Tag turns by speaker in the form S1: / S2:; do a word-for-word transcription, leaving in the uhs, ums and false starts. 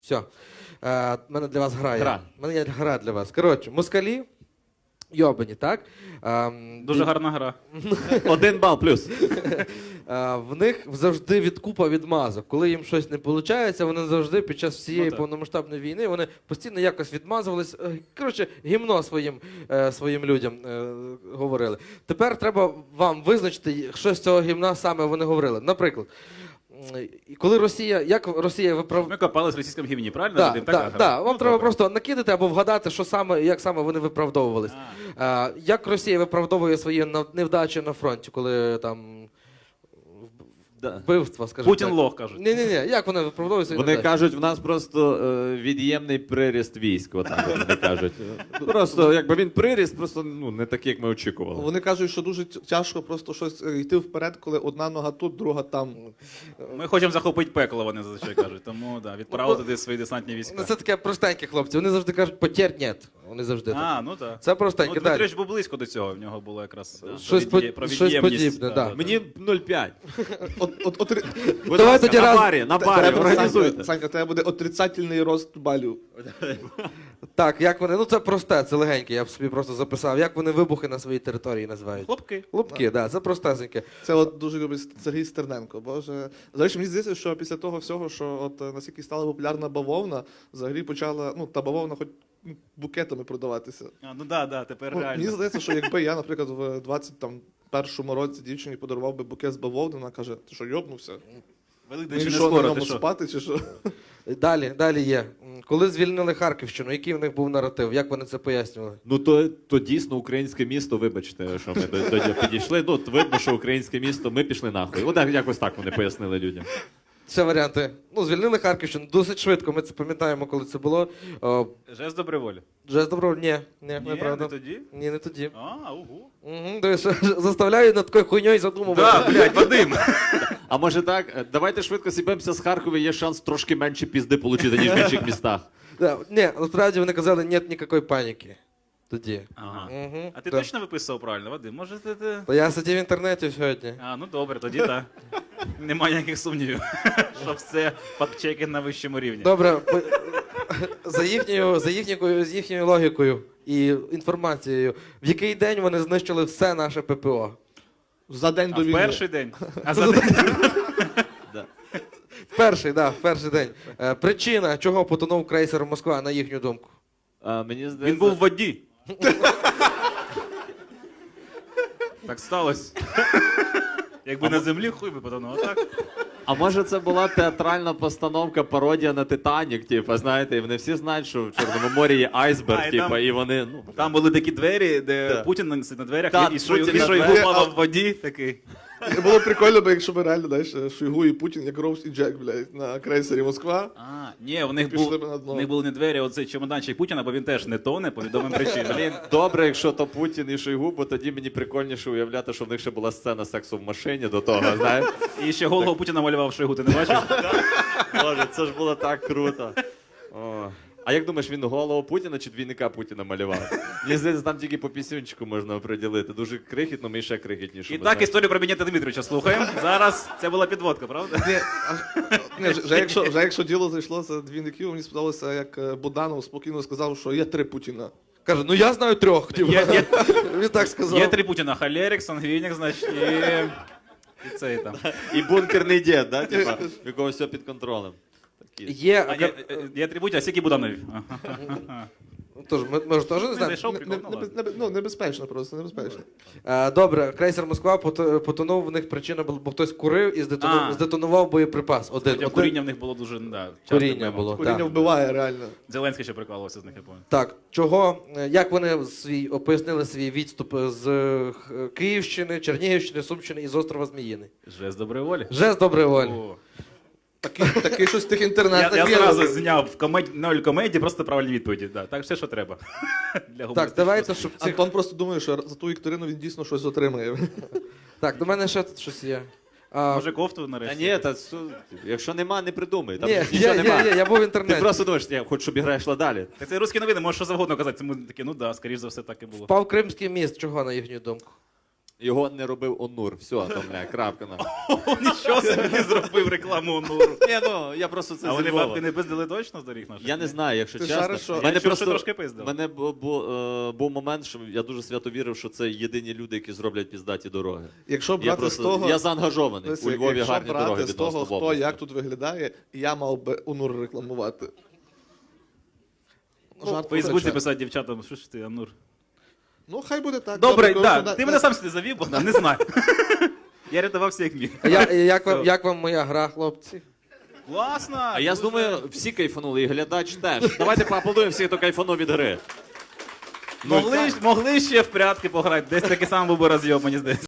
S1: Все. Е, мене для вас грає.
S2: Гра.
S1: У мене є гра для вас. Коротше, москалі, йобані, так? Ем,
S3: Дуже
S1: і-
S3: гарна гра.
S2: Один бал плюс.
S1: Е, в них завжди відкупа відмазок. Коли їм щось не виходить, вони завжди під час всієї
S3: Ну, так.
S1: повномасштабної війни вони постійно якось відмазувались. Е, Коротше, гімно своїм, е, своїм людям е, говорили. Тепер треба вам визначити, що з цього гімна саме вони говорили. Наприклад, м, коли Росія, як Росія виправ...
S3: Ми копались в російському гімні, правильно?
S1: Да,
S3: Вадим?
S1: да,
S3: Така гра.
S1: да. Вам
S3: Ну,
S1: треба
S3: добре.
S1: просто накидати або вгадати, що саме, як саме вони виправдовувались.
S3: А.
S1: А, як Росія виправдовує свої нав- невдачі на фронті, коли там
S2: Да.
S1: вбивства, скажімо
S3: Путін
S1: так.
S3: лох, кажуть.
S1: Ні, ні, ні. Як вони виправдовують свої
S2: Вони
S1: невдачі?
S2: кажуть, в нас просто е, від'ємний приріст військ. Отак от вони кажуть. Просто якби він приріст, просто ну не такий, як ми очікували.
S4: Вони кажуть, що дуже тя- тяжко просто щось е, йти вперед, коли одна нога тут, друга там.
S3: Ми хочемо захопити пекло, вони зазвичай кажуть. Тому да, відправили туди свої десантні
S1: Ну,
S3: війська.
S1: це таке простенькі хлопці. Вони завжди кажуть, потєр нет. Вони завжди так.
S3: А, ну так.
S1: Це
S3: Ну,
S1: простенькі. Далі.
S3: Дмитрич був близько до цього, в нього було якраз е,
S1: Щось
S3: про від'є-
S1: по-
S3: про
S1: щось
S3: від'ємність.
S1: подібне, да.
S2: Мені нуль п'ять.
S4: От, от, от,
S2: Будь
S1: Давай
S2: ласка,
S1: тоді
S2: на
S1: раз-
S2: барі, на барі,
S4: Треба,
S2: організуйте.
S4: Санька, Санька, тебе буде отрицательний рост балів.
S1: Так, як вони. Ну це просте, це легеньке, я б собі просто записав. Як вони вибухи на своїй території називають?
S3: Хлопки.
S1: Лупки, так, да, це простесеньке.
S4: Це от дуже любить Сергій Стерненко. Боже. Взагалі, мені здається, що після того всього, що от е, наскільки стала популярна бавовна, взагалі почала, ну, та бавовна хоч ну, букетами продаватися.
S3: А, ну да, да, тепер
S4: Ну, мені
S3: реально.
S4: здається, що якби я, наприклад, в двадцять першому році дівчині подарував би букет з бавовни, вона каже, ти що, йобнувся?
S3: Великдень
S4: Мені
S3: ще не
S4: що, на
S3: скоро, ти
S4: ньому
S3: що?
S4: спати чи що?
S1: Далі, далі є. М, Коли звільнили Харківщину, який в них був наратив? Як вони це пояснювали?
S2: Ну то, то дійсно українське місто, вибачте, що ми до- тоді підійшли. Ну, от видно, що українське місто, ми пішли нахуй. От так- якось так вони пояснили людям.
S1: Ще варіанти. Ну, звільнили Харківщину досить швидко. Ми це пам'ятаємо, коли це було. О,
S3: Жест доброї волі.
S1: Жест добро, ні, ні,
S3: Ні,
S1: неправда.
S3: не тоді?
S1: Ні, не тоді.
S3: А, угу.
S1: Угу, дивись, заставляю над такою хуйньою задумувати.
S3: Да, блядь, Вадим.
S2: А може так, е, давайте швидко сібемося з Харкова, є шанс трошки менше пізди отримати, ніж в інших містах.
S1: Да, ні, насправді вони казали, нет ніякої паніки. Тоді.
S3: Ага.
S1: Угу,
S3: А ти точно виписував правильно, Вадим? Може ти... ти...
S1: То я сидів в інтернеті сьогодні.
S3: А, ну добре, тоді так. Немає ніяких сумнівів, що все фактчекінг на вищому рівні.
S1: Добре, по- за їхньою, за їхньою, з їхньою логікою і інформацією, в який день вони знищили все наше ППО?
S4: За день
S3: А
S4: до
S3: в
S4: війни.
S3: перший день. А за день.
S1: В перший, да, в перший день. Е, причина, чого потонув крейсер Москва, на їхню думку.
S2: А, мені здається,
S3: Він був в воді. Так сталося. Якби на землі, хуй би потонув, а так?
S2: А може це була театральна постановка, пародія на Титанік, типу, знаєте, і вони всі знають, що в Чорному морі є айсберг,
S3: А, і
S2: типу,
S3: там-
S2: і вони, ну,
S3: Там були такі двері, де
S2: Так.
S3: Путін на, на дверях,
S2: Так,
S3: і Шойгу,
S2: Путін
S3: і
S2: на
S3: Шойгу
S4: дверях.
S3: плавав в воді, такий.
S4: Було прикольно, бо якщо б реально, знаєш, Шойгу і Путін, як Роуз і Джек, блядь, на крейсері Москва.
S3: А, ні, у них,
S4: Пішли
S3: був,
S4: б на дно.
S3: у них були не двері, а оцей чемоданчик Путіна, бо він теж не тоне по відомим причинам.
S2: блін, добре, якщо то Путін і Шойгу, бо тоді мені прикольніше уявляти, що в них ще була сцена сексу в машині до того, знаєш.
S3: І ще голову Путіна малював Шойгу, ти не бачив?
S2: Боже, це ж було так круто. О. А як думаєш, він голову Путіна чи двійника Путіна малював? Мені здається, там тільки по пісюнчику можна оприділити. Дуже крихітно, ми ще крихітніше.
S3: І так історію про Бенєта Дмитровича слухаємо. Зараз це була підводка, правда?
S4: Ні, а, ні, вже, вже, якщо, вже якщо діло зайшло за двійників, мені сподобалося, як е, Буданов спокійно сказав, що є три Путіна.
S1: Каже, ну я знаю трьох. Типу.
S3: Є, є,
S1: Він так сказав.
S3: є три Путіна: Холерик, Сангвінік, значить, і, і цей там.
S2: І бункерний дід, да? Типа, в якого все під контролем. Такі.
S1: Є,
S3: А, ні, є три Путіна, а скільки Буданові?
S1: Тож, ми, ми ж теж не
S3: Не
S1: знаємо.
S3: зайшов
S4: Не,
S3: прикол,
S4: не,
S3: ну
S4: не,
S3: ладно.
S4: не, ну, небезпечно просто, небезпечно.
S1: Е, Добре, крейсер Москва пото- потонув, в них причина була, бо хтось курив і здетонував,
S3: А.
S1: здетонував боєприпас. Один,
S3: Хоча
S1: один.
S3: куріння в них було дуже, да, часто
S1: Куріння
S3: тема.
S1: було.
S4: Куріння
S1: так.
S4: вбиває реально.
S3: Зеленський ще прикалувався з них, я пам'ятаю.
S1: Так, чого, е, як вони свій, пояснили свій відступ з е, Х- Київщини, Чернігівщини, Сумщини і з острова Зміїний?
S3: Жест доброї волі.
S1: Жест доброї волі.
S3: О.
S4: Такий, такий щось в тих
S3: Я,
S4: інтернетах
S3: я
S4: є.
S3: зразу зняв в комеді, ноль комедії, просто правильні відповіді. Да. Так, все, що треба. Для
S1: Так,
S3: гумористичного
S1: давайте, щоб цих...
S4: Антон просто думає, що за ту вікторину він дійсно щось отримає.
S1: Так, до мене ще тут щось є. А,
S3: Може кофту
S2: Та
S3: нарешті?
S2: ні, та що- якщо нема, не придумай. Там
S1: ні,
S2: ж нічого
S1: є,
S2: нема.
S1: є, є, я був в
S2: Ти
S1: інтернеті.
S2: просто думаєш, я хочу, щоб ігра йшла далі.
S3: Так це русські новини, можеш що завгодно казати. Це ми такі, ну да, скоріш за все так і було.
S1: Впав Кримський міст, чого, на їхню думку?
S2: Його не робив Онур. Все, там, бля, крапка на.
S3: О, нічого собі не зробив рекламу Онуру.
S2: Ні, ну, я просто це
S3: А
S2: зі
S3: вони
S2: Львова.
S3: бабки не пиздили точно з доріг наших?
S2: Я не знаю, якщо
S4: Ти
S2: чесно.
S4: шариш, що-
S3: Я
S2: Мене
S3: чув, що
S2: просто
S3: трошки пиздили.
S2: мене бу- бу- е, був момент, що я дуже свято вірив, що це єдині люди, які зроблять піздаті дороги.
S4: Якщо
S2: Я
S4: брати
S2: просто
S4: з того,
S2: я заангажований.
S4: Дивися,
S2: У Львові
S4: якщо
S2: гарні
S4: брати
S2: дороги
S4: з того,
S2: відносно в
S4: хто
S2: області.
S4: як тут виглядає, я мав би Онур рекламувати.
S3: Ну,
S4: Жарт
S3: в Фейсбуці
S4: позначає.
S3: писати дівчатам, що ж ти, Амнур.
S4: Ну, хай буде так.
S3: Добре,
S4: Добре,
S3: да,
S4: коли
S3: ти
S4: на-
S3: мене сам сюди завів, Богдан, не знаю. Я рятувався як міг.
S1: А я, як, вам, як вам моя гра, хлопці?
S3: Класно!
S2: А я
S3: дуже.
S2: думаю, всі кайфанули, і глядач теж. Давайте поаплодуємо всіх, хто кайфанув від гри.
S3: Могли, могли ще в прятки пограти, десь такий самий був би розйом, мені здається.